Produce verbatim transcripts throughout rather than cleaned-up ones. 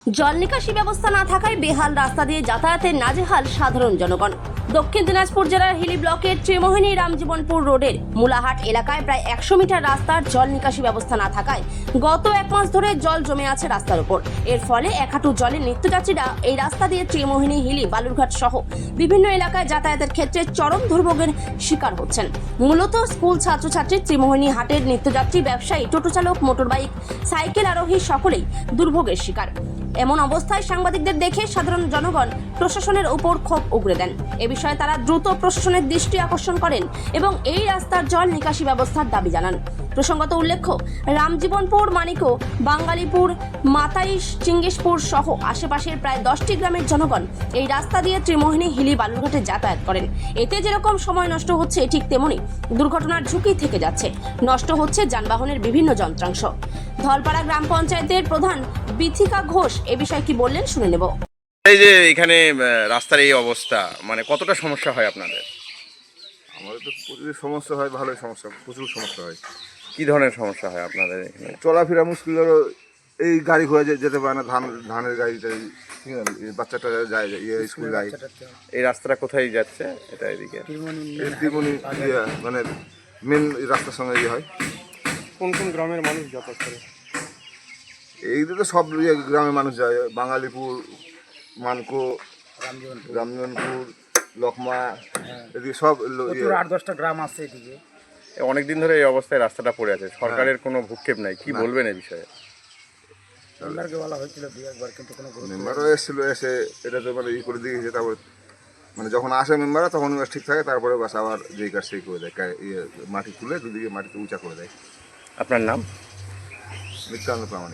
জল নিকাশি ব্যবস্থা না থাকায় বেহাল রাস্তা দিয়ে যাতায়াতের নাজেহাল সাধারণ জনগণ। দক্ষিণ দিনাজপুর জেলার হিলি ব্লকের ত্রিমোহিনী রামজীবনপুর রোডের মুলাহাট এলাকায় প্রায় একশো মিটার রাস্তার জল নিকাশি ব্যবস্থা না থাকায় গত এক মাস ধরে জল জমে আছে রাস্তার উপর। এর ফলে এক হাঁটু জলে নিত্যযাত্রীরা এই রাস্তা দিয়ে ত্রিমোহিনী, হিলি, বালুরঘাট সহ বিভিন্ন এলাকায় যাতায়াতের ক্ষেত্রে চরম দুর্ভোগের শিকার হচ্ছেন। মূলত স্কুল ছাত্রছাত্রী, ত্রিমোহিনী হাটের নিত্যযাত্রী, ব্যবসায়ী, টোটো চালক, মোটরবাইক, সাইকেল আরোহী সকলেই দুর্ভোগের শিকার। এমন অবস্থায় সাংবাদিকদের দেখে সাধারণ জনগণ প্রশাসনের উপর ক্ষোভ উগরে দেন। এ বিষয়ে তারা দ্রুত প্রশাসনের দৃষ্টি আকর্ষণ করেন এবং এই রাস্তার জল নিকাশি ব্যবস্থার দাবি জানান। প্রসঙ্গত উল্লেখ্য, রামজীবনপুর, মানিকো, বাঙ্গালীপুর, মাতাইশ, চিঙ্গিসপুর সহ আশেপাশের প্রায় দশটি গ্রামের জনগণ এই রাস্তা দিয়ে ত্রিমোহিনী, হিলি, বালুরঘাটে যাতায়াত করেন। এতে যেরকম সময় নষ্ট হচ্ছে, ঠিক তেমনি দুর্ঘটনার ঝুঁকি থেকে যাচ্ছে। নষ্ট হচ্ছে যানবাহনের বিভিন্ন যন্ত্রাংশ। ধলপাড়া গ্রাম পঞ্চায়েতের প্রধান বিথিকা ঘোষ এ বিষয়ে কি বললেন শুনে নেব। এই যে এখানে রাস্তার এই অবস্থা, মানে কতটা সমস্যা হয় আপনাদের? আমাদের তো প্রচুর সমস্যা হয়, ভালোই সমস্যা, প্রচুর সমস্যা হয়। কি ধরনের সমস্যা হয় আপনাদের এখানে? চলাফেরা মুশকিল হলো, এই গাড়ি ঘোড়া যে- যেতে পারে না, ধান ধানের গাড়িটা, ঠিক আছে, এই বাচ্চাটা যায়, ইয়ে স্কুল যায়। এই রাস্তাটা কোথায় যাচ্ছে? এটা এদিকে এই ত্রিমণি ইয়ে মানে মেন রাস্তার সঙ্গে ইয়ে হয়। কোন কোন গ্রামের মানুষ যাতায়াত করে? এইদিকে তো সব ইয়ে গ্রামের মানুষ যায়, বাঙালিপুর, মানকো, রামজীবনপুর, লকমা, এদিকে সব লো- ইয়ে। প্রচুর আট দশটা গ্রাম আছে এদিকে। অনেকদিন ধরে এই অবস্থায় রাস্তাটা পড়ে আছে, সরকারের কোনো ভূক্ষেপ নাই। কি বলবেন এই বিষয়ে? মেম্বারকে বলা হয়েছিল দুই একবার, কিন্তু কোনো গুরুত্ব মেম্বারও এসেছিল, এসে এটা তো মানে ই করে দিয়েছে। তারপর মানে যখন আসে মেম্বাররা তখন বাস ঠিক থাকে, তারপরে বাস আবার যেই কাজ সেই করে দেয়, কা- ইয়ে মাটি তুলে দুদিকে মাটিতে উঁচা করে দেয়। আপনার নাম? নিত্যানন্দ প্রামাণিক।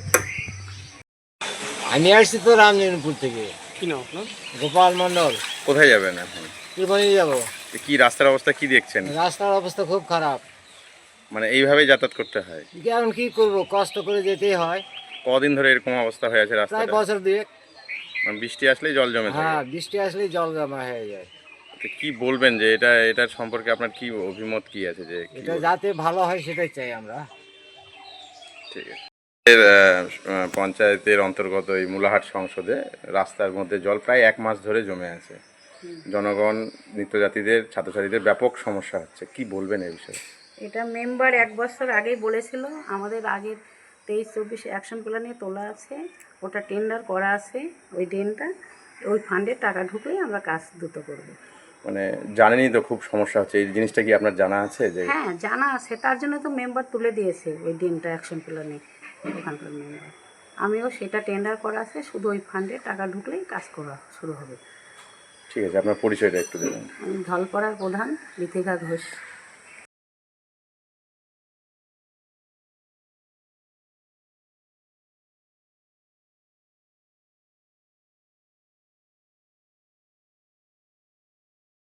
আমি আসছি তো রামজীবনপুর থেকে। কি নাম আপনার? গোপাল মন্ডল। কোথায় যাবেন এখন? ত্রিমণি যাবো। কি রাস্তার অবস্থা কি দেখছেন? রাস্তার অবস্থা খুব খারাপ। মানে এইভাবেই যাতায়াত করতে হয়? এখন কি করব, কষ্ট করে যেতেই হয়। কদিন ধরে এরকম অবস্থা হয়ে আছে প্রায় রাস্তাটা? বছর দুয়েক। মানে বৃষ্টি আসলেই জল জমে থাকে। হ্যাঁ, বৃষ্টি আসলেই জল জমা হয়ে যায়। তো কি বলবেন যে এটা এটার সম্পর্কে আপনার কি অভিমত কি আছে যে কি এটা বলবেন? যাতে ভালো হয় সেটাই চাই আমরা। ঠিক আছে। এর, আহ, পঞ্চায়েতের অন্তর্গত এই মুলাহাট সংসদে রাস্তার মধ্যে জল প্রায় এক মাস ধরে জমে আছে। জনগণ, নিত্যযাত্রীদের, ছাত্রছাত্রীদের ব্যাপক সমস্যা হচ্ছে। কি বলবেন এই বিষয়ে? এটা মেম্বার এক বছর আগেই বলেছিল, আমাদের আগের তেইশ চব্বিশ অ্যাকশন প্ল্যানে তোলা আছে, ওটা টেন্ডার করা আছে। ওই ড্রেনটা, ওই ফান্ডে টাকা ঢুকলেই আমরা কাজ দ্রুত করব। মানে জানেনই তো খুব সমস্যা হচ্ছে, এই জিনিসটা কি আপনার জানা আছে যে? হ্যাঁ, জানা আছে, তার জন্য তো মেম্বার তুলে দিয়েছে ওই ড্রেনটা অ্যাকশন প্ল্যানে, ওখানকার মেম্বার। আমিও সেটা টেন্ডার করা আছে, শুধু ওই ফান্ডে টাকা ঢুকলেই কাজ করা শুরু হবে। ঠিক আছে, আপনার পরিচয়টা একটু দেবেন। আমি ধলপাড়ার প্রধান বিথিকা ঘোষ।